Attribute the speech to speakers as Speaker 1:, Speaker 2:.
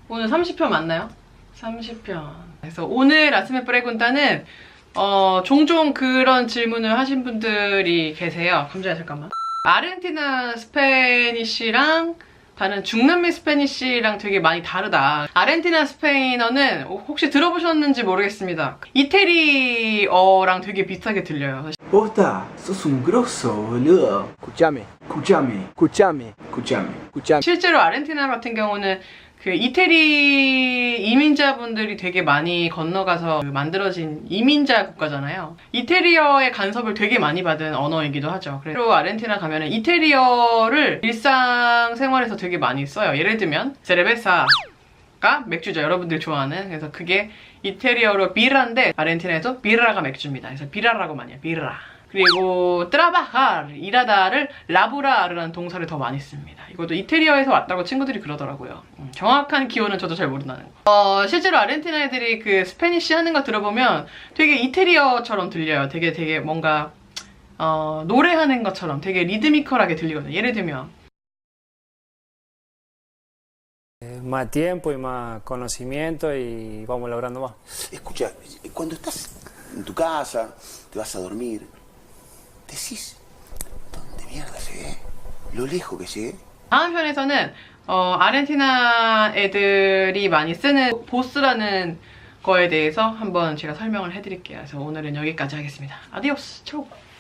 Speaker 1: 오늘 30편 맞나요? 30편. 그래서 오늘 라스메 프레군타는 종종 그런 질문을 하신 분들이 계세요. 감자야 잠깐만. 아르헨티나 스페니쉬랑 다른 중남미 스페니쉬랑 되게 많이 다르다. 아르헨티나 스페인어는 혹시 들어보셨는지 모르겠습니다. 이태리어랑 되게 비슷하게 들려요.
Speaker 2: Posta, sos un grosso, boludo.
Speaker 3: Escuchame,
Speaker 2: Escuchame,
Speaker 3: escuchame,
Speaker 2: escuchame.
Speaker 3: escuchame.
Speaker 1: 실제로 아르헨티나 같은 경우는 그 이태리 이민자분들이 되게 많이 건너가서 만들어진 이민자 국가잖아요. 이태리어의 간섭을 되게 많이 받은 언어이기도 하죠. 그래서 아르헨티나 가면은 이태리어를 일상생활에서 되게 많이 써요. 예를 들면 세레베사가 맥주죠. 여러분들이 좋아하는. 그래서 그게 이태리어로 비라인데 아르헨티나에서 비라가 맥주입니다. 그래서 비라라고 많이 해요. 비라. 그리고 trabajar, 일하다를 라브라르라는 동사를 더 많이 씁니다. 이것도 이태리어에서 왔다고 친구들이 그러더라고요. 정확한 기호는 저도 잘 모른다는 거. 실제로 아르헨티나 애들이 그 스페니쉬 하는 거 들어보면 되게 이태리어처럼 들려요. 되게 뭔가 노래하는 것처럼 되게 리드미컬하게 들리거든요. 예를 들면
Speaker 3: Más tiempo y más conocimiento y vamos logrando más.
Speaker 4: Escucha, cuando estás en tu casa, te vas a dormir, decís, ¿dónde mierda llegué? ¿Lo lejos que llegué?
Speaker 1: 다음 편에서는 아르헨티나 애들이 많이 쓰는 보스라는 거에 대해서 한번 제가 설명을 해드릴게요. 그래서 오늘은 여기까지 하겠습니다. 아디오스, 초!